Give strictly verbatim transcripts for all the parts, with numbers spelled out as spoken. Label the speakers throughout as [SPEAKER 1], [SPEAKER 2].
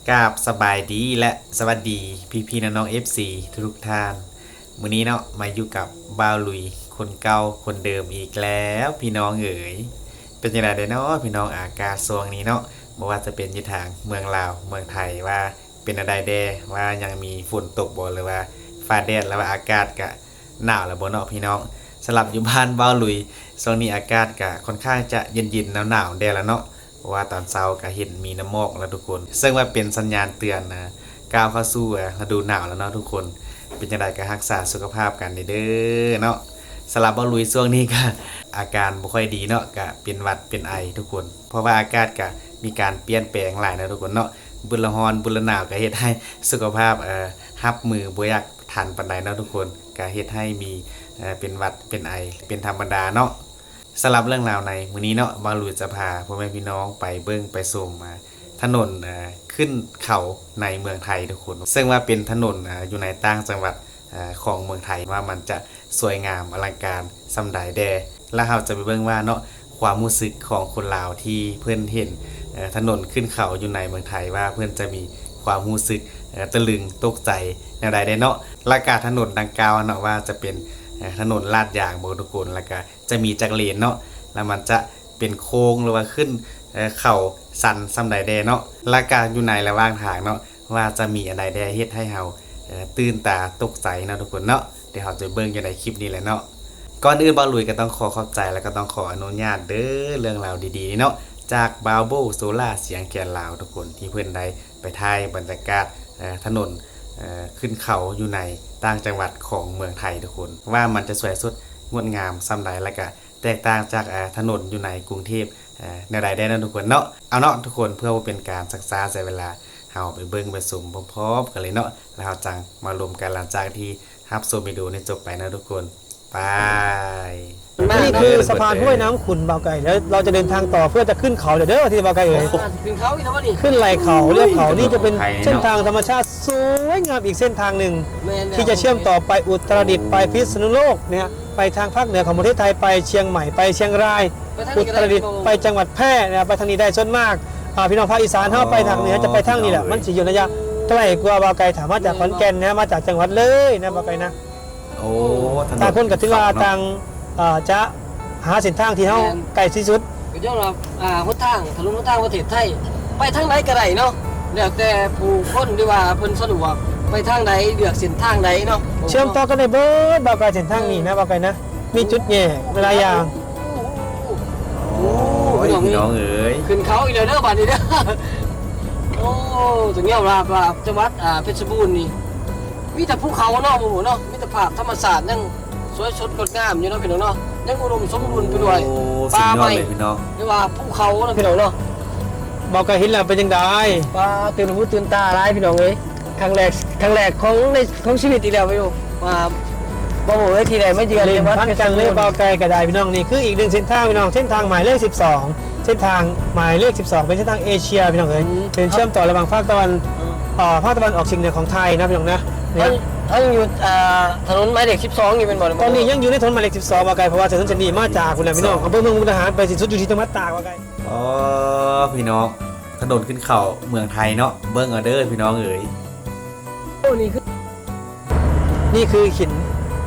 [SPEAKER 1] กราบสบายดีและสวัสดีพี่พี่น้องน้อง เอฟ ซี ทุกท่านมื้อนี้เนาะมาอยู่กับบ่าวลุยคนเก่าคนเดิมอีกแล้วพี่น้องเอ๋ยเป็นยังไงเด้เนาะพี่น้องอากาศช่วงนี้เนาะบ่ว่าจะเป็นอยู่ทางเมืองลาวเมืองไทยว่าเป็นอะไรแดว่ายังมีฝนตกบ่หรือว่าฟ้าแดดแล้วว่าอากาศก็หนาวแล้วบ่เนาะพี่น้องสำหรับอยู่บ้านบ่าวลุยช่วงนี้อากาศก็ค่อนข้างจะเย็นๆหนาวๆแดดแล้วเนาะว่าตอนเช้าก็เห็นมีน้ำหมอกแล้วทุกคนซึ่งว่าเป็นสัญญาณเตือนนะก้าวเข้าสู่ฤดูหนาวแล้วเนาะทุกคนเป็นจังไดก็รักษาสุขภาพกันเด้อเนาะสำหรับบ่ลุยช่วงนี้ก็อาการบ่ค่อยดีเนาะก็เป็นหวัดเป็นไอทุกคนเพราะว่าอากาศก็มีการเปลี่ยนแปลงหลายนะทุกคนเนาะบุญละร้อนบุญละหนาวก็เฮ็ดให้สุขภาพเอ่อรับมือบ่อยากทันปานใดเนาะทุกคนก็เฮ็ดให้มีเอ่อเป็นหวัดเป็นไอเป็นธรรมดาเนาะสำหรับเรื่องราวในมื้อนี้เนาะบ่าวลุยจะพาพ่อแม่พี่น้องไปเบิ่งไปชมมาถนนเอ่อขึ้นเขาในเมืองไทยทุกคนซึ่งว่าเป็นถนนอ่าอยู่ในต่างจังหวัดเอ่อของเมืองไทยว่ามันจะสวยงามอลังการส่ำใดแดแล้วเราจะไปเบิ่งว่าเนาะความรู้สึกของคนลาวที่เพิ่นเห็นเอ่อถนนขึ้นเขาอยู่ในเมืองไทยว่าเพิ่นจะมีความรู้สึกเอ่อตะลึงตกใจแนวใดได้เนาะราคาถนนดังกล่าวเนาะว่าจะเป็นถนนลาดยางบ่ทุกคนแล้วก็จะมีจักรเลนเนาะแล้วมันจะเป็นโค้งหรือว่าขึ้นเข่าสันส่ำใดแดเนาะราคาอยู่ในระหว่างทางเนาะว่าจะมีอะไรแดเฮ็ดให้เฮาตื่นตาตกใจเนาะทุกคนเนาะเดี๋ยวเราจะเบิ่งอยู่ในคลิปนี้แหละเนาะก่อนอื่นบ่าวลุยก็ต้องขอขอบใจแล้วก็ต้องขออนุญาตเด้อเรื่องราวดีๆเนาะจากบาวโบโซล่าเสียงแก่นลาวทุกคนที่เพิ่นได้ไปถ่ายบรรยากาศถนนขึ้นเขาอยู่ในต่างจังหวัดของเมืองไทยทุกคนว่ามันจะสวยสุดงดงามส่ำใดแล้วก็แตกต่างจากถนนอยู่ในกรุงเทพแนวใดได้นะทุกคนเนาะเอาเนาะทุกคนเพื่อว่าเป็นการศึกษาใช้เวลาเฮาไปเบิ่งไปชมพร้อมๆกันเลยเนาะแล้วเฮาจังมารวมกันหลังจากที่รับชมวิดีโอนี้จบไปนะทุกคนไป
[SPEAKER 2] นี่คือสะพานห้วยน้ำขุ่นเบาไก่แล้วเราจะเดินทางต่อเพื่อจะขึ้นเขาเด้อที่เบาไก่เอ๋ย
[SPEAKER 3] ขึ้นเขาอีกแล้วนี่
[SPEAKER 2] ขึ้นไหล่เขาเรียบเขานี่จะเป็นเส้นทางธรรมชาติสวยงามอีกเส้นทางหนึ่งที่จะเชื่อมต่อไปอุตรดิตถ์ไปพิษณุโลกเนี่ยไปทางภาคเหนือของประเทศไทยไปเชียงใหม่ไปเชียงรายอุตรดิตถ์ไปจังหวัดแพร่นะไปทางนี้ได้ส่วนมากพี่น้องภาคอีสานเข้าไปทางเหนือจะไปทางนี้แหละมันสิอยู่ระยะใกล้กว่าเบาไก่ถามมาจากขอนแก่นนะมาจากจังหวัดเลยนะเบาไก่นะ
[SPEAKER 1] โอ้
[SPEAKER 2] ทางคนกับที่ว่าทางจะหาเส้นทางที่เขาใกล้ที่สุด
[SPEAKER 3] ก็ย้อนว่าอ่าหนทางถนนหนทางประเทศไทยไปทางไหนก็ได้เนาะแล้วแต่ผู้คนที่ว่าเพิ่นสะดวกไปทางใดเลือกเส้นทางใดเนาะ
[SPEAKER 2] เชื่อมต่อกันได้เบิดบ่าวไก่เส้นทางนี้นะบ่าวไก่นะมีจุดแยกหลายอย่าง
[SPEAKER 1] โอ้พี่น้องเอ๋ย
[SPEAKER 3] ขึ้นเขาอีกแล้วเด้อบัดนี้เด้อโอ้ตรงนี้ว่าว่าจังหวัดอ่าเพชรบูรณ์นี่มีแต่ภูเขาเนาะหมู่เนาะมีแต่ภาพธรรมชาติยังสวยสดงดงามอยู่เนาะพี่น้องเนาะยังอุดมสมบูรณ์ไปด้วย
[SPEAKER 1] ป่าไม้พี่น้อง
[SPEAKER 3] เรียกว่าภูเขาเนาะพี่น้องเนาะ
[SPEAKER 2] บ่าวไก่เห็นแล้วเป็นจังได๋
[SPEAKER 3] ป่าตื่นหูตื่นตาหลายพี่น้องเอ้ยครั้งแรกครั้งแรกของในของชีวิตอีกแล้วพี่น้องว่าบ่โหเอ้ยที่ใดไม่เยือนจังหวัดเพชรบูรณ์
[SPEAKER 2] บ่าวไก่ก็ได้พี่น้องนี่คืออีกหนึ่งเส้นทางพี่น้องเส้นทางหมายเลขสิบสองเส้นทางหมายเลขสิบสองเป็นเส้นทางเอเชียพี่น้องเอ้ยเป็นเชื่อมต่อระหว่างภาคตะวันอ่าภาคตะวันออกเฉียงเหนือของไทยนะพี่น้องนะ
[SPEAKER 3] ท่านอยู่ถนนหมายเลขสิบสองอยู่เป็นบ่
[SPEAKER 2] ตอนนี้ยังอยู่ในถนนหมายเลขสิบสองว่าไกลเพราะว่าถนนเส้นนี้มาจากคุณแหละพี่น้องอำเภอเมืองมุกดาหารไปสิ้นสุดอยู่ที่จังหวัดตากว่าไกล
[SPEAKER 1] อ๋อพี่น้องถนนขึ้นเขาเมืองไทยเนาะเบิ่งเอาเด้อพี่น้องเอ๋ย
[SPEAKER 3] โอ้นี่คือ
[SPEAKER 2] นี่คือหิน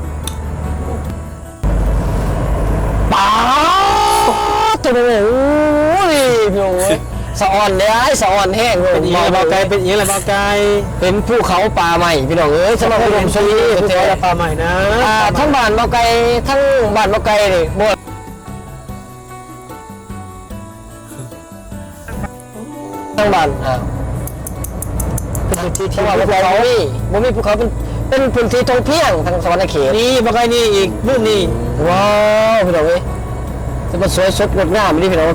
[SPEAKER 3] ป๋าตัวโอ้ยพี่น้องสะอ่อนเลยไอ้สะอ่อนแห้งเลย
[SPEAKER 2] บ่าวไก่เป็นอย่างนี้แหละบ่าวไก่
[SPEAKER 3] เป็นภูเขาป่าใหม่พี่น้องเอ้ยสำหรับอุดมสมบูรณ์
[SPEAKER 2] แท้ป่าใหม่นะ
[SPEAKER 3] ทั้งบ้านบ่าวไก่ทั้งบ้านบ่าวไก่นี่บ่ทั้งบ้านอ่าเป็นพื้นที่ที่ว่าบ่าวนี่บ่มีภูเขาเป็นเป็นพื้นที่ท่องเที่ยวทางสวรรค์เขต
[SPEAKER 2] นี่บ่าวไก่นี่อีกรุ่นนี้
[SPEAKER 3] ว้าวพี่น้องเอ้ยจะมาสวยสดงดงามนี่พี่น้อง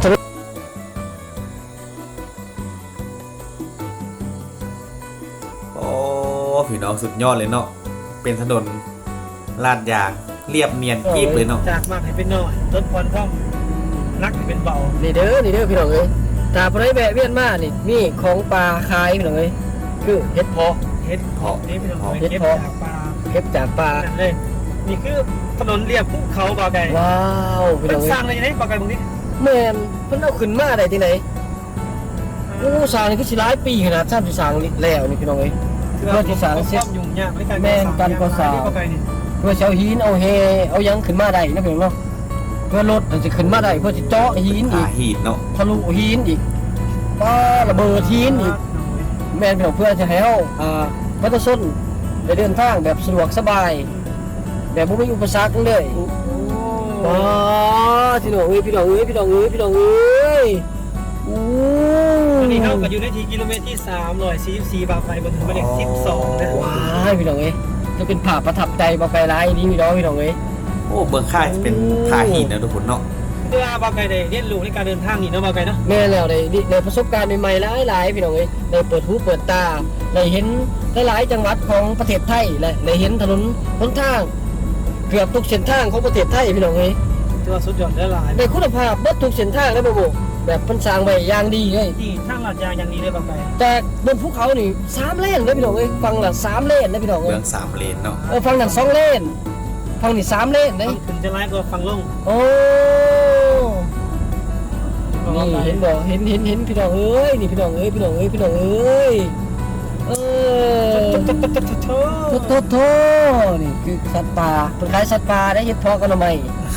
[SPEAKER 1] พี่น้องสุดยอดเลยเนาะเป็นถนนลาดยางเรียบเนียนกีบเลยเนาะ
[SPEAKER 2] จากมากให้เป็นน้อยต้นควันท่องนักให้เป็นเบา
[SPEAKER 3] นี่เด้อนี่เด้อพี่น้องเอ้ยตาพระไรแบะเวียนมานี่มีของปลาคายพี่น้องเอ้ยคือเห็ดเพาะ
[SPEAKER 2] เห็ดเพาะนี่พี่น้อง
[SPEAKER 3] เห็ดเพาะเก็บจากปลา
[SPEAKER 2] เลยนี่คือถนนเรียบภูเขาบ่าวไก่
[SPEAKER 3] ว้าว
[SPEAKER 2] พี่น้องเอ้ยเป็นสร้างอะไรอย่างนี้บ่าวไก่ตรงนี้
[SPEAKER 3] แม่นเพิ่นเอาขึ้นมาได้ที่ไหนโอ้อ้สร้างนี่คือสิหลายปีขนาดสร้างสิสร้างนี่แล้วนี่พี่น้องเอ้ยเพื่อที่สร้างเสร็จ
[SPEAKER 2] ยุ่งยากในการ
[SPEAKER 3] แม่นการก่อสร้าง
[SPEAKER 2] เข้าไปนี่
[SPEAKER 3] เพื่อสิเอาหินเอาเฮเอาหยังขึ้นมาได้นะพี่น้องเนาะเพื่อรถมันจะขึ้นมาได้เพื่อสิเจาะหินอี
[SPEAKER 1] ผาก หีดเนาะ
[SPEAKER 3] ทะลุหินอีกป้าระเบิดหินอีกแม่นพี่น้องเพื่อจะให้เฮาอ่าพัฒนได้เดินทางแบบสะดวกสบาย แบบบ่มีอุปสรรคเลย
[SPEAKER 2] โอ้
[SPEAKER 3] อ๋อพี่น้องเอ้ยพี่น้องเอ้ยพี่น้องเอ้ยพี่น้องเอ้ยโอ้
[SPEAKER 2] ตอนนี้เข้ากับอยู่ในที่กิโลเมตรที่สามร้อยสี่สิบสี่บาทไปบนถึงหมายเลขสิบสองนะ
[SPEAKER 3] ว้ายพี่น้องเอ้ยจะเป็นภาพประทับใจบ่ไกลหลายนี่พี่น้องพี่น้องเอ้ย
[SPEAKER 1] โอ้เบื้องข้างจะเป็นผาหีดนะทุกคนเนาะ
[SPEAKER 2] เวลาบาไกได้เรียนรู้ในการเดินทางนี่เนาะบาไกเนาะ
[SPEAKER 3] แม่แล้วได้ได้ประสบการณ์ใหม่ๆหลายๆพี่น้องเอ้ยได้เปิดหูเปิดตาได้เห็นหลายๆจังหวัดของประเทศไทยและได้เห็นถนนหนทางเกือบทุกเส้นทางของประเทศไทยพี่น้องเอ้ย
[SPEAKER 2] ถือว่าสุดยอดและหลาย
[SPEAKER 3] ได้คุณภาพเบิดทุกเส้นทางเลยบ่บ่แบบเพิ่นสร้างไว้อย่างดีเลย
[SPEAKER 2] ที่ทางลาดยางอย่างนี้เลยบาไก
[SPEAKER 3] แต่บนภูเขานี่สามเลนเลยพี่น้องเอ้ยฝั่งละสามเลนเลยพี่น้อง
[SPEAKER 1] เบื้
[SPEAKER 3] เอ้
[SPEAKER 1] อย งสามเลนเนาะ
[SPEAKER 3] เออฝั่งนั้นสองเลนฝั่งนี้สามเลนเลย
[SPEAKER 2] ฟังขึ้นจะไล่ก็ฟังลง
[SPEAKER 3] โอ้นี่เห็นบ่เห็นเห็นเห็นพี่น้องเอ้ยนี่พี่น้องเอ้ยพี่น้องเอ้ยพี่น้องเอ้ยเออ
[SPEAKER 2] โทษโทษโทษโทษ
[SPEAKER 3] โทษโทษนี่คือสัตว์ป่าเป็นขายสัตว์ป่าได้เฮ็ดพอกันทำไม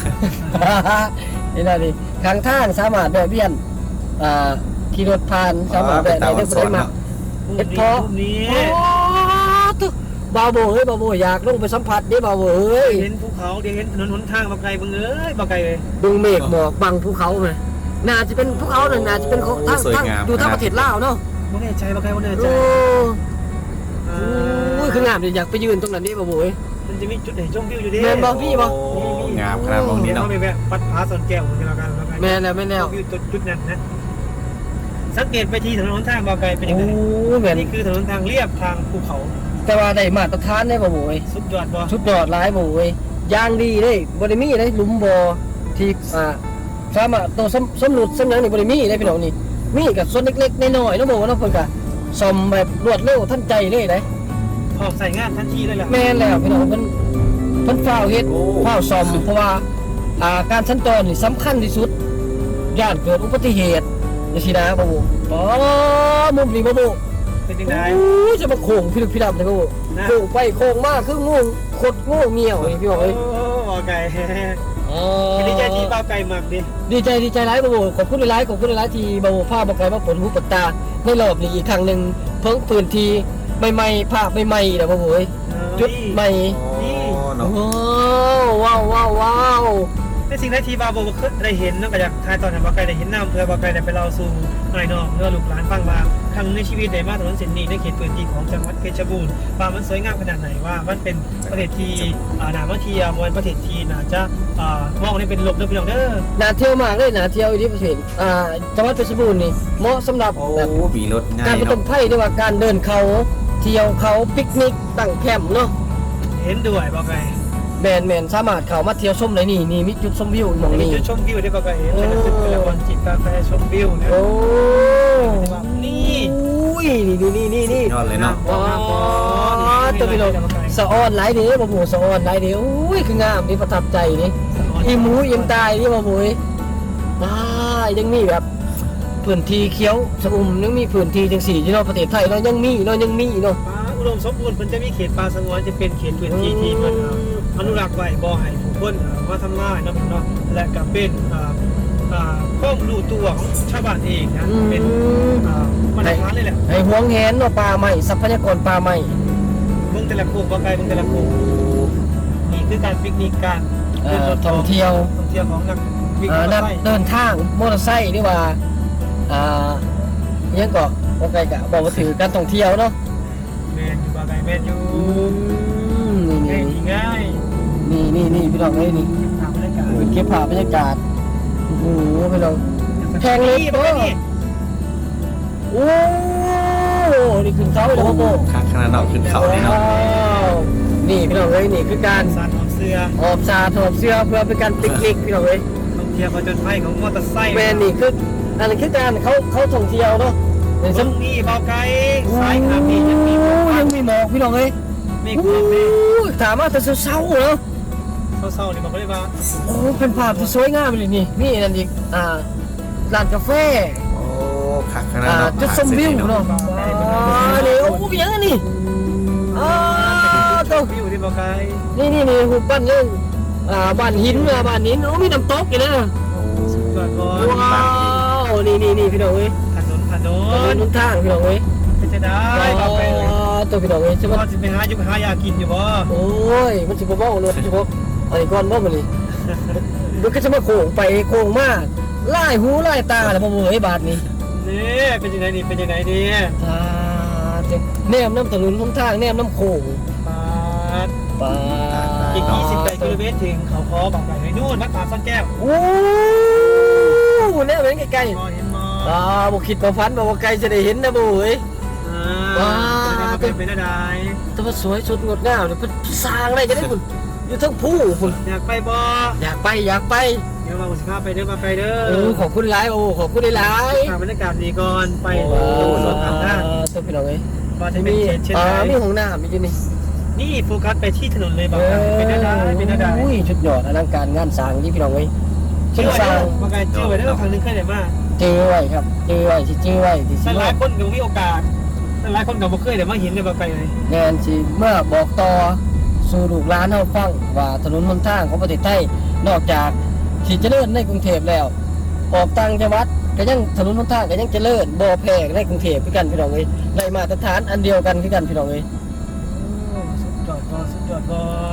[SPEAKER 3] นี่ล่ะนี่ข้างทางสามารถแวะเวียนอ่าขี่รถผ่านสามารถ
[SPEAKER 1] เป็น
[SPEAKER 3] แวะ
[SPEAKER 1] ตา
[SPEAKER 3] ได้
[SPEAKER 1] วั
[SPEAKER 3] ได้
[SPEAKER 1] น
[SPEAKER 3] บ่
[SPEAKER 1] ส
[SPEAKER 3] ได้
[SPEAKER 1] น
[SPEAKER 3] มา
[SPEAKER 1] เนาะ
[SPEAKER 3] เฮ็ดพอ
[SPEAKER 2] รูปนี้
[SPEAKER 3] โอ้ตึกบาวโบเฮ้ยบาวโบอยากลงไปสัมผัสเด้บาวโบเอ้ย
[SPEAKER 2] เห็นภูเขาเดี๋ยวเห็นถนนหนทางบาไกเบิ่งเอ้ยบาไกเลย
[SPEAKER 3] ดึงเมฆหมอกบังภูเขาไหมน่าจะเป็นภูเขาน่ะน่าจะเป็นของทางทางอยู่ทางประเทศลาวเนาะ
[SPEAKER 2] บ่แน่ใจบาไกบ่แน่ใจ
[SPEAKER 3] โอ้
[SPEAKER 2] อ่า
[SPEAKER 3] โอ้ยคืองามเลยอยากไปยืนตรงนั้นดิบาวโบเอ้ย
[SPEAKER 2] มันจะมีจุดไหนชมวิวอยู่ดิ
[SPEAKER 3] แม่นบ่พี่บ่
[SPEAKER 1] โอ้งามขนาดมองนี้
[SPEAKER 2] เดี๋ยว
[SPEAKER 1] เนาะ
[SPEAKER 2] เราไปแวะวัดผาสอนแก้วกันแล้วกันแล้วกัน
[SPEAKER 3] แม่นแล้วแม่นแล้ว
[SPEAKER 2] วิวจุดจุดนั้นนะสังเกตไปที่ถนนหนทางบาไกเป็นยั
[SPEAKER 3] โอ้
[SPEAKER 2] งไง
[SPEAKER 3] แม่น
[SPEAKER 2] นี่คือถนนทางเรียบทางภูเขา
[SPEAKER 3] แต่ว่าได้มาตรฐานได้บาวโบเอ้ย
[SPEAKER 2] สุดยอดบ่
[SPEAKER 3] ชุดยอดหลายบาวโบเอ้ยย่างดีเลยบ่ได้มีเลยหลุมบ่อที่อ่าสามารถตัวสำสำรุดสำหยังนี่บ่ได้มีได้พี่น้องนี่มีกับส่วนเล็กๆน้อยๆเนาะบ่ว่าเนาะเพิ่นก็ซ่อมแบบรวดเร็วทันใจเลยเด้
[SPEAKER 2] พร้อมใส่งานทันทีเลยแหละ
[SPEAKER 3] แม่นแล้วพี่น้องเพิ่นเพิ่นฝ้าวเฮ็ดฝ้าวซ่อมเพราะว่าอ่าการสัญจรนี่สำคัญที่สุดย่านเกิดอุบัติเหตุจังซี่นะบ่บ่อ๋อมุมนี้บ่บ่
[SPEAKER 2] เป็นยังไง
[SPEAKER 3] โอ้ยจะมาโค้งพี่ลึกพี่ดำเลยบ่บ่
[SPEAKER 2] นะ
[SPEAKER 3] โค้งไปโค้งมาคืองูขดงูเงี้ยวนี่พี่น้อง
[SPEAKER 2] โอ้
[SPEAKER 3] เอ้ย
[SPEAKER 2] บาไก
[SPEAKER 3] อ๋อ
[SPEAKER 2] ดีใจที่บาไกมากดิ
[SPEAKER 3] ดีใจดีใจหลายบ่บ่ขอบคุณหลายๆขอบคุณหลายๆที่บ่บ่พาบ่ไกลมาเปิดหูเปิดตาในรอบนี้อีกครั้งหนึงเพิ่งพื้นที่ใหม่ๆภาพใหม่ๆนะบ่บ่เอ้ยจุดใหม่
[SPEAKER 1] โอ้เนาะ
[SPEAKER 3] ว้าวว้าวว้าว
[SPEAKER 2] ในสิ่งที่บาโบเคยได้เห็นนอกจากทายตอนนั้นบาไกได้เห็นน้ำเพื่อบาไกได้ไปเล่าสู่นายน้องเพื่อลูกหลานฟังว่าครั้งในชีวิตได้มาถนนเส้นนี้ในเขตพื้นที่ของจังหวัดเพชรบูรณ์ว่ามันสวยงามขนาดไหนว่ามันเป็นประเทศที่อ่านามาเทียมวันประเทศที่น่าจะอ่ามองในเป็นลบเด้อพี่น้องเด้อ
[SPEAKER 3] น่าเที่ยวมากเลยน่าเที่ยวอีที่ประเทศอ่าจังหวัดเพชรบูรณ์นี่เหมาะสำหรับ
[SPEAKER 1] โอ้
[SPEAKER 3] แบบ
[SPEAKER 1] มีรถง่า
[SPEAKER 3] การ
[SPEAKER 1] ย
[SPEAKER 3] ผจ
[SPEAKER 1] เนาะ
[SPEAKER 3] ญภัยด้วยว่าการเดินเขาเที่ยวเขาปิกนิกตั้งแคมป์เนาะ
[SPEAKER 2] เห็นด้วยบาไก
[SPEAKER 3] แมนแมนสามารถเข้ามาเที่ยวชมได้นี่นี่มีจุดชมวิวหมอง
[SPEAKER 2] มี
[SPEAKER 3] นี้
[SPEAKER 2] จุดชมวิวได้บาไกเห็นเป็นตึกเป็นละครจิตกาแฟชมวิวนะ
[SPEAKER 3] โอ้
[SPEAKER 2] นี่
[SPEAKER 3] อุ้ยนี่นี่นี่นี่
[SPEAKER 1] ยอดเลยเนาะ
[SPEAKER 3] ว้าวตัวพี่น้องสะออนหลายเด้อบ่หมูสะออนหลายเด้ออุ้ยคืองามนี่ประทับใจนี่อีหมูอิ่มตายนี่บ่หมูว้ายังมีแบบพื้นที่เขียวสะอุ่มยังมีพื้นที่จังสี่ที่เนาะประเทศไทยเนาะยังมีเนาะยังมีเนาะ
[SPEAKER 2] ป่าอุดมสมบูรณ์มันจะมีเขตป่าสงวนจะเป็นเขตพื้นที่ที่มันอนุรักษ์ไว้บ่ให้ผู้คนมาทำลายเนาะเนาะและก็เป็นอ่าอ่าข้อมูลตัวของชาวบ้านเองนะเป็นอ่ามาตรฐานเลยแหละ
[SPEAKER 3] ให้หวงแหนเนาะป่าไม้ทรัพยากรป่าไม้
[SPEAKER 2] เมืองแต่ละโคกบ่ไกลเมืองแต่ละโคกนี่คือการปิกนิกการ
[SPEAKER 3] เอ่อท่องเที่ยว
[SPEAKER 2] ท่องเที่ยวของนักวิ่ง
[SPEAKER 3] อ่าม
[SPEAKER 2] อเต
[SPEAKER 3] นั
[SPEAKER 2] อก ร์ไซค์
[SPEAKER 3] เดินทางมอเตอร์ไซค์นี่ว่าอ่าอิหยังก็บ่ไกลก็บอกว่าถือการท่องเที่ยวเนาะ
[SPEAKER 2] แมนอยู่บ่ไกลแมนอยู่
[SPEAKER 3] อืมนี่
[SPEAKER 2] ง่าย
[SPEAKER 3] นี่
[SPEAKER 2] ดีง่าย
[SPEAKER 3] นี่นี่นี่พี่น้องเอ้ยนี่
[SPEAKER 2] ถามบรรยากาศ
[SPEAKER 3] เก็บภาพบรรยากาศโอ้โหพี่น้อง แพงเลย
[SPEAKER 2] บ่ไกลนี่
[SPEAKER 3] โอ้นี่ขึ้นเขาเลยครับโบ
[SPEAKER 1] ข้างขนาดเนาะขึ้นเขาเลยเนาะ
[SPEAKER 3] ว้าวนี่พี่น้องเอ้ยนี่คือการ
[SPEAKER 2] สารของเสื้อ
[SPEAKER 3] ออบซาถอดเสื้อเพื่อเป็นการปิกนิกพี่น้องเอ้ย
[SPEAKER 2] ท่องเที่ยวผจญภัยของมอเตอร์ไซค์
[SPEAKER 3] แมนนี่คืออันนี้คือการเขาเขาท่องเที่ยวเนาะใน
[SPEAKER 2] ต
[SPEAKER 3] ส
[SPEAKER 2] ร
[SPEAKER 3] ม
[SPEAKER 2] งนี้เบาไกลสายขาพี่ยังมีหมอก
[SPEAKER 3] ยังมีหมอกพี่น้องเอ้ย
[SPEAKER 2] มีความเมฆ
[SPEAKER 3] โอ้ยถามว่าแต่เช้าๆเนาะ
[SPEAKER 2] เศร้าๆนี่บอกเลยว่า
[SPEAKER 3] โอ้เป็นภาพที่สวยงามเลยนี่นี่นั่นอีกอ่าร้านกาแฟ
[SPEAKER 1] โอ้คักขนาด
[SPEAKER 3] อ่า
[SPEAKER 1] เนาะ
[SPEAKER 3] จุดชมวิวเนาะอ่านี่โอ้โหเป็นยังไงนี่อ่าตัว
[SPEAKER 2] วิวที่บ่ไกล
[SPEAKER 3] นี่นี่นี่หุบบ้านนึงอ่าบ้านหินอ่ะบ้านหินโอ้มีน้ำตกอยู่นะ
[SPEAKER 2] ก่อนก่อน
[SPEAKER 3] ว้าวนี่นี่นี่พี่น้องเอ้ย
[SPEAKER 2] ถนนถน
[SPEAKER 3] ถน
[SPEAKER 2] น
[SPEAKER 3] นทางพี่น้องเอ้ย
[SPEAKER 2] เป็นจะได้บ่ไปเลย
[SPEAKER 3] ตัวพี่น้องเอ้ยใช่ไหม
[SPEAKER 2] พ่อสิไปหาอยู่หายากินอยู่บ่
[SPEAKER 3] โอ้ยมันสิบ่เว้ารถสิบ่ไอ้ก้อนบ่มันนี่มันก็จะมาโค้งไปโค้งมาไล่หูไล่ตาแล้วบ่เอ้ยบาดนี้
[SPEAKER 2] นี่เป็นยังไงนี่เป็นยังไงนี่
[SPEAKER 3] อ่าเจ็บแนมน้ำถนนหนทางแนมน้ำโค้ง
[SPEAKER 2] ปาด
[SPEAKER 3] ปา
[SPEAKER 2] อีกยี่สิบกิโลเมตรถึงเขาคอบอกไปให้นู่นวัดป่าซ่อนแก้ว
[SPEAKER 3] โอ้แนมเห็นใกล้
[SPEAKER 2] มอเห็นมอ
[SPEAKER 3] ๆอ่าบ่คิดบ่ฝันว่าไกลจะได้เห็นนะบ่เอ้ย
[SPEAKER 2] อ่าเป็นเป็นอะไร
[SPEAKER 3] แต่ว่าสวยสุดงดงามเนี่ยเพิ่นสร้างอะไรจะได้คุณอยู่ทั้งผู้คุณ
[SPEAKER 2] อยากไปบ่
[SPEAKER 3] อยากไปอยากไป
[SPEAKER 2] เดี๋ยวมาสิพาไปเด้อมาไปเด้อ
[SPEAKER 3] โอ้ขอบคุณหลายโอ้ขอบคุณหลาย
[SPEAKER 2] บรรยากาศดีก่อนไป
[SPEAKER 3] โอ้
[SPEAKER 2] รถทางหน้า
[SPEAKER 3] ตัวพี่น้องเอ้ย
[SPEAKER 2] ว่าจะเป็น
[SPEAKER 3] มี
[SPEAKER 2] เขตเช่น
[SPEAKER 3] อ่า
[SPEAKER 2] ไร
[SPEAKER 3] มีห้องน้ำมีอยู่นี่
[SPEAKER 2] นี่โฟกัสไปที่ถนนเลยบอกเป็นอะไรเป็นอะไร
[SPEAKER 3] อุ้ยชุดยอดอลังการงานสร้างนี่พี่น้องเอ้ย
[SPEAKER 2] เชื่
[SPEAKER 3] ชื่
[SPEAKER 2] อ
[SPEAKER 3] อ
[SPEAKER 2] ไว้
[SPEAKER 3] สร้าง
[SPEAKER 2] มาไกลเชื่อไว้เด้อครั้งนึงเคยได้มา
[SPEAKER 3] เจอไว้ครับเจอไว้สิเจอไว้ที่สิ
[SPEAKER 2] หลายคนก็มีโอกาสหลายคนก็บ่เคยได้มาเห็นเลยมาไปเลย
[SPEAKER 3] แนนสิเมื่อบอกต่อสู่ลูกหลานเฮาฟังว่าถนนหนทางของประเทศไทยนอกจากที่เจริญในกรุงเทพแล้ว ออกต่างจังหวัดก็ยังถนนหนทางก็ยังเจริญบ่แพ้ในกรุงเทพคือกันพี่น้องเอ้ยได้มาตรฐานอันเดียวกันคือกันพี่น้องเอ้ย
[SPEAKER 2] สุดยอดบ่สุดยอดบ่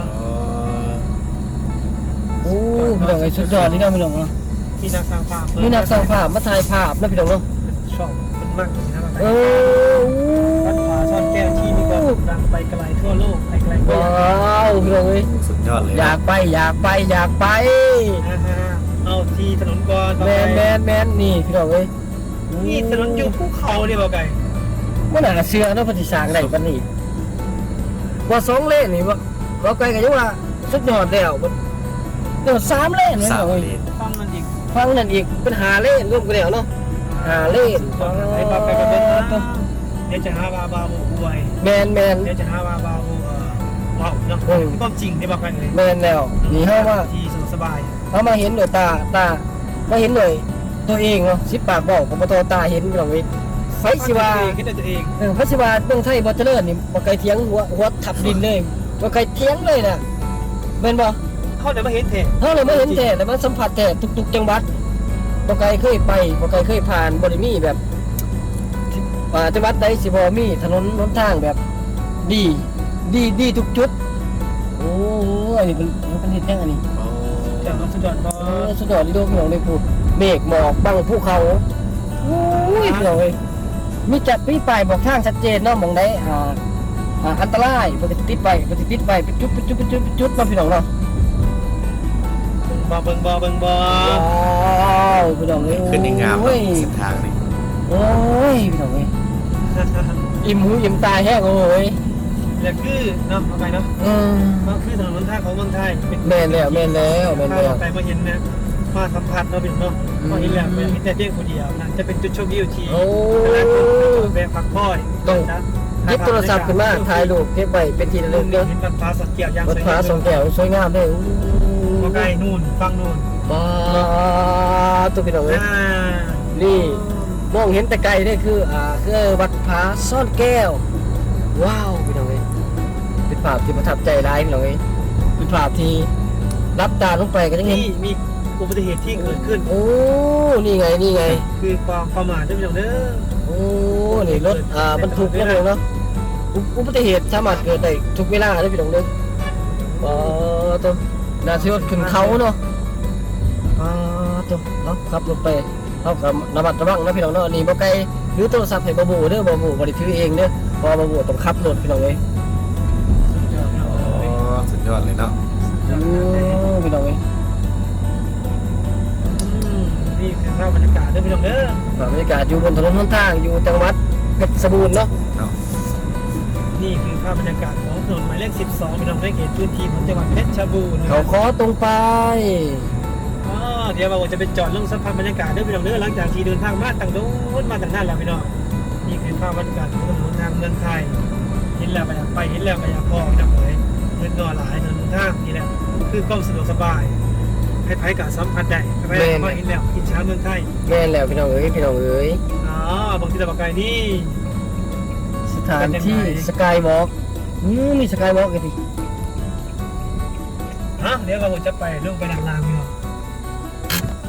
[SPEAKER 3] โอ้พี่น้องเอ้ยสุดยอดนี่เนาะพี่น้องเนาะ
[SPEAKER 2] ที่นักสร้างภาพ
[SPEAKER 3] มีนักสร้างภาพมาถ่ายภาพนะพี่น้องเนาะ
[SPEAKER 2] ชอบมันมากเลยนะ
[SPEAKER 3] เออ
[SPEAKER 2] วัดป่าซ่อนแก้วที่มีความดังไปไกลทั่วโลกไปไกลโลก
[SPEAKER 3] ว้าวพี่น้องเอ้ย
[SPEAKER 1] สุดยอดเลย
[SPEAKER 3] อยากไปอยากไปอยากไป
[SPEAKER 2] นะฮะเอาที่ถนนก่อน
[SPEAKER 3] แมนแมนแมนนี่พี่น้องเอ้ย
[SPEAKER 2] นี่ถนนอยู่ภูเขาเนี่ยบอกไก่
[SPEAKER 3] มันน่าเชื่อเนาะปฏิสร้างได้ปานนี้ว่าสองเลนนี่ว่าว่าไกลก็ยังว่าสุดยอดแล้วมันเดี๋ยวสามเลนเลย
[SPEAKER 1] สาม
[SPEAKER 3] เนาะ
[SPEAKER 1] เลน
[SPEAKER 2] ฟังมันอีก
[SPEAKER 3] ฟังนั่นอีกเป็นหาเลนรวมกันแล้วเนาะหาเลน
[SPEAKER 2] ไอ้บ้าไปกันเป็นนะเดี๋ยวจะหาบาบาบูบวย
[SPEAKER 3] แมนแมน
[SPEAKER 2] เดี๋ยวจะหาบาบาบูว้าวเนาะก็จริงที่บอกไปเลย
[SPEAKER 3] แมนแล้วนี่เฮาว่า
[SPEAKER 2] ที่สนุกสบาย
[SPEAKER 3] เฮามาเห็นด้วยตาตามาเห็นด้วยตัวเองเนาะสิปากบอกของบ่ตอตาเห็นพี่น้องเอ้ยไฟสิว่า
[SPEAKER 2] คิดตัวเอง
[SPEAKER 3] เออพระศิวาเมืองไทยบ่เจริญนี่บ่ไกลเถียงหัวหัวทับดินเลยบ่ไกลเถียงเลยน่ะแม่นบ่
[SPEAKER 2] เขาเดี๋ยวมาเห็นเถอะ
[SPEAKER 3] เฮาเลยไม่เห็นแท้แต่มันสัมผัสแท้ทุกๆจังหวัดบ่ไกลเคยไปบ่ไกลเคยผ่านบ่ได้มีแบบว่าจังหวัดใดสิบ่มีถนนหนทางแบบดีดีดีทุกจุดโอ้อันนี้เป็นเป็นเฮ็ดยังอันนี้
[SPEAKER 2] เดี๋ยวเราสุดยอดบอ
[SPEAKER 3] เออสุดยอดที่โดพี่น้องได้พูดเมฆหมอกบังภูเขาโอ้ยพี่น้องเอ้ยมีจัดมีป้ายบอกทางชัดเจนเนาะหม่องใดอ่า อ่าอันตรายปฏิติดไปปฏิติดไปเป็นจุดเป็นจุดเป็นจุดเป็นจุดมาพี่น้องเนาะ
[SPEAKER 2] บอเบิงบอเบิงบอ
[SPEAKER 3] ว้าวพี่น้องเอ้ย
[SPEAKER 1] ขึ้นในงาม
[SPEAKER 3] โอ้ย
[SPEAKER 1] เส้นทางนี่
[SPEAKER 3] โอ้ยพี่น้องเอ้ยอิ่มหูอิ่มตาแห้งโอ้ย
[SPEAKER 2] แล้วคือเนาะเอาไปเนาะ
[SPEAKER 3] อืม
[SPEAKER 2] มันคือถนนหนทางของเมืองไทย
[SPEAKER 3] แม่นแล้วแม่นแล้วแม่น
[SPEAKER 2] ถ้า
[SPEAKER 3] แล้ว
[SPEAKER 2] เราไปมาเห็นนะมาสัมผัสเราเป็นเนาะพอเห็นแล้วเป็นแต่เพียงคนเดียวนะจะเป็นจุดชมวิวที่
[SPEAKER 3] โอ้
[SPEAKER 2] หลายคนไปจอดแวะพักผ่อน
[SPEAKER 3] ต้อง
[SPEAKER 2] นะ
[SPEAKER 3] หยิบโทรศัพท์ขึ้นมาถ่ายรูปเก็บไว้เป็นที่ระลึกเด้อ
[SPEAKER 2] เห็นวัดฟ้าสักเกียรติยาง
[SPEAKER 3] วัด
[SPEAKER 2] สวย
[SPEAKER 3] ฟ้าสองแก้วสวยงามเลยอู้
[SPEAKER 2] ก็ใกล้นู่นฟังนู่น
[SPEAKER 3] ว้าวตัวพี่น้องเอ้ย
[SPEAKER 2] อ่า
[SPEAKER 3] นี่มองเห็นแต่ไกลนี่คืออ่าคือวัดผาซ่อนแก้ว ว้าวพี่น้องเอ้ยเป็นภาพที่ประทับใจร้ายพี่น้องเอ้ยเป็นภาพที่รับตาลงไปก็ยังเห็น
[SPEAKER 2] นี่มีอุบัติเหตุที่เกิดขึ้น
[SPEAKER 3] โอ้นี่ไงนี่ไง
[SPEAKER 2] คือความประมาทด้วยพี่น้องเด้อ
[SPEAKER 3] โอ้นี่รถอ่าบรรทุกนะพี่น้องเนาะอุอุบัติเหตุสามารถเกิดได้ทุกเวลาเลยพี่น้องเด้ออ๋อตัวน่าเชื่อขึ้นเขาเนาะอ่าตัวเนาะขับรถไปเขากับระมัดระวังนะพี่น้องเนาะนี่บ่ไกลหรือโทรศัพท์ให้บ่บูเด้อบ่บูบ่ได้ถือเองเด้อเพอบ่บูต้องขับรถพี่น้องเอ้ย
[SPEAKER 1] อ๋อสุดยอดเลยเนาะ
[SPEAKER 3] โอ้พี่น้องเอ้ย
[SPEAKER 2] นี่คือภาพบรรยากาศด้วยพี่น้องเด้อ
[SPEAKER 3] บรรยากาศอยู่บนถนนหนทางอยู่จังหวัดเพชรบูรณ์เนาะ
[SPEAKER 1] เนาะ
[SPEAKER 2] นี่คือภาพบรรยากาศของถนนหมายเลขสิบสองพี่น้องได้เขตพื้นที่ของจังหวัดเพชรบูรณ์นะ
[SPEAKER 3] เขาขอตรงไป
[SPEAKER 2] อ๋อเดี๋ยวเราจะไปจอดลงสัมผัสบรรยากาศด้วยพี่น้องเด้อหลังจากที่เดินทางมาต่างโน้นมาต่างนั่นแล้วพี่น้องนี่คือภาพบรรยากาศของถนนทางเมืองไทยเห็นแล้วไปอยากไปเห็นแล้วไปอยากพอพี่น้องเลยเงินนอนหลายถนนทางนี่แหละคือความสะดวกสบายไพ่กับสัมผัสได้ไพ่ก็อินแล้วอินช้าเมืองไทย
[SPEAKER 3] แม่นแล้วพี่น้องเอ้ยพี่น้องเอ้ย
[SPEAKER 2] อ๋อบางทีตะบกไก่นี่
[SPEAKER 3] สถานที่สกายวอล์กอืมมีสกายวอล์กกันดิ
[SPEAKER 2] ฮะเดี๋ยวเราจะไปลงไปดังลางพี่น้องไป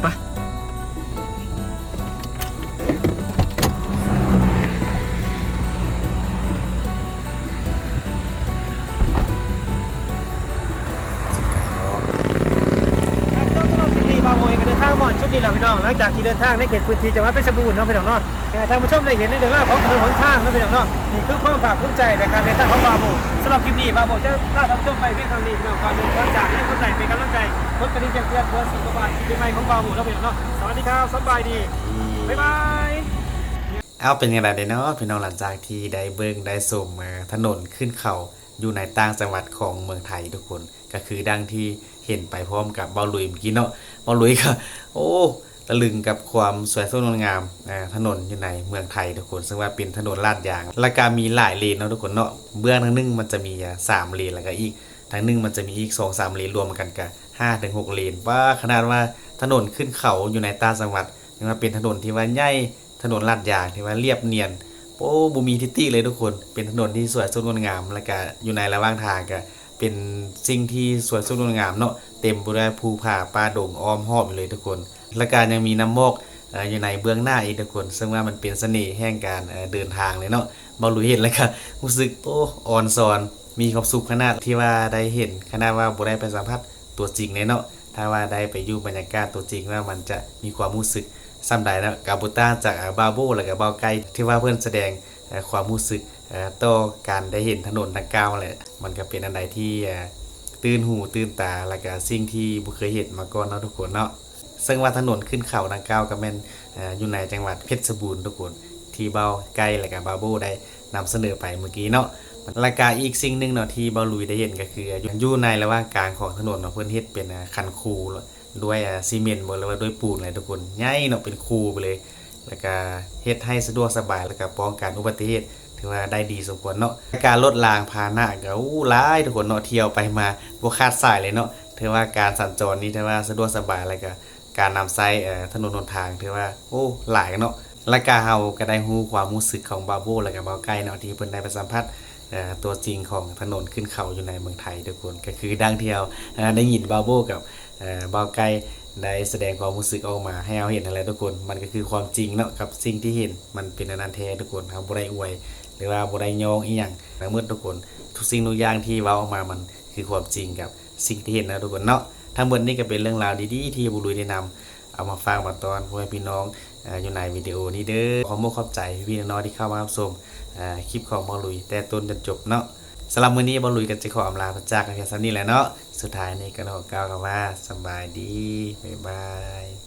[SPEAKER 2] ครับก็สำหรับคลิปนี้บางโมยกันเดินทางหมอนชุดนี้แหละพี่น้องหลังจากที่เดินทางในเขตพื้นที่จังหวัดเพชรบูรณ์เนาะพี่น้องเนาะให้ท่านผู้ชมได้เห็นในเรื่องราวของถนนหนทางเนาะพี่น้องเนาะนี่คือความภาคภูมิใจในการเดินทางของบางโมสำหรับคลิปนี้บางโมจะพาท่านผู้ชมไปเพียงเท่านี้พี่น้องความเป็นกำลังใจให้คนใส่เป็นกำลังใจรถกระดิ่งแจ้งเตือนเพื่อสุขภาพปีใหม่ของบางโมเนาะพี่น้องเนาะสวัสดีครับสบายดีบ๊ายบาย
[SPEAKER 1] เอาเป็นยังไงเด้เนาะพี่น้องหลังจากที่ได้เบิ่งได้ชมมาถนนขึ้นเขาอยู่ในต่างจังหวัดของเมืองไทยทุกคนก็คือดังที่เห็นไปพร้อมกับเบาหลุยเมื่อกี้เนาะเบาหลุยก็โอ้ตะลึงกับความสวยสดงดงามอ่าถนนอยู่ในเมืองไทยทุกคนซึ่งว่าเป็นถนนลาดยางและก็มีหลายเลนเนาะทุกคนเนาะเบื้องทางหนึงมันจะมีอ่าสามเลนแล้วก็อีกทางหนึงมันจะมีอีกสองสามเลนรวมกันก็ห้าถึงหกเลนว่าขนาดว่าถนนขึ้นเขาอยู่ในต่างจังหวัดยังว่าเป็นถนนที่ว่าใหญ่ถนนลาดยางที่ว่าเรียบเนียนโอ้บ่มีทิฏฐิเลยทุกคนเป็นถนนที่สวยสดงดงามแล้วก็อยู่ในระหว่างทางก็เป็นสิ่งที่สวยสดงดงามเนาะเต็มไปด้วยภูผาป่าดงอ้อมหอบอยู่เลยทุกคนและการยังมีน้ำมอกเอ่ออยู่ในเบื้องหน้าอีกทุกคนซึ่งว่ามันเป็นเสน่ห์แห่งการเอ่อเดินทางเลยเนาะบ่รู้เห็นแล้วก็รู้สึกโอ้อ่อนซอนมีความสุขขนาดที่ว่าได้เห็นขนาดว่าบ่ได้ไปสัมผัสตัวจริงเลยเนาะถ้าว่าได้ไปอยู่บรรยากาศตัวจริงว่ามันจะมีความรู้สึกซ้ำใดนะกาบูต้าจากบาโบแล้วก็บาไกที่ว่าเพื่อนแสดงเอ่อความรู้สึกเอ่อต่อการได้เห็นถนนดังกล่าวแหละมันก็เป็นอันใดที่เอ่อตื่นหูตื่นตาแล้วก็สิ่งที่บ่เคยเห็นมาก่อนเนาะทุกคนเนาะซึ่งว่าถนนขึ้นเขาดังกล่าวก็แม่นเอ่ออยู่ในจังหวัดเพชรบูรณ์ทุกคนที่เบาไกแล้วก็บาโบได้นำเสนอไปเมื่อกี้เนาะแล้วก็อีกสิ่งหนึงเนาะที่เบาลุยได้เห็นก็คืออยู่ในระหว่างกลางของถนนเนาะเพิ่นเฮ็ดเป็นอ่าคันคูด้วยอ่าซีเมนต์บ่หรือว่าด้วยปูนอะไรทุกคนใหญ่เนาะเป็นคูไปเลย แล้วก็เฮ็ดให้สะดวกสบายแล้วก็ป้องกันอุบัติเหตุถือว่าได้ดีสมควรเนาะการลดรางพาหนะก็อู้หลายทุกคนเนาะเที่ยวไปมาบ่ขาดสายเลยเนาะถือว่าการสัญจรนี้ถือว่าสะดวกสบายแล้วก็การนำใช้เอ่อถนนหนทางถือว่าโอ้หลายเนาะแล้วก็เฮาก็ได้ฮู้ความรู้สึกของบาโบแล้วก็บ่าวไก่เนาะที่เพิ่นได้ไปสัมผัสเอ่อตัวจริงของถนนขึ้นเขาอยู่ในเมืองไทยทุกคนก็คือดังที่เราเอ่อได้ยินบาโบกับเอ่อบ่าวไก่ได้แสดงความรู้สึกออกมาให้เราเห็นอะไรทุกคนมันก็คือความจริงเนาะกับสิ่งที่เห็นมันเป็นอนันต์แท้ทุกคนครับบ่ได้อวยหรือว่าบ่ได้ยองอีหยังทั้งหมดทุกคนทุกสิ่งทุกอย่างที่เว้าออกมามันคือความจริงกับสิ่งที่เห็นนะทุกคนเนาะทั้งหมดนี้ก็เป็นเรื่องราวดีๆที่บุรุษได้นำเอามาฟังมาตอนพ่อแม่พี่น้องเอ่ออยู่ในวิดีโอนี้เด้อขอมขอบใจพี่ๆน้องๆที่เข้ามารับชมเอ่อคลิปของบอลุยแต่ต้นจนจบเนาะสำหรับมื้อนี้บอลุยก็จะขออำลาพระจากกันเพียงเท่านี้แหละเนาะสุดท้ายนี้ก็ขอกล่าวคำว่าสบายดีบ๊ายบาย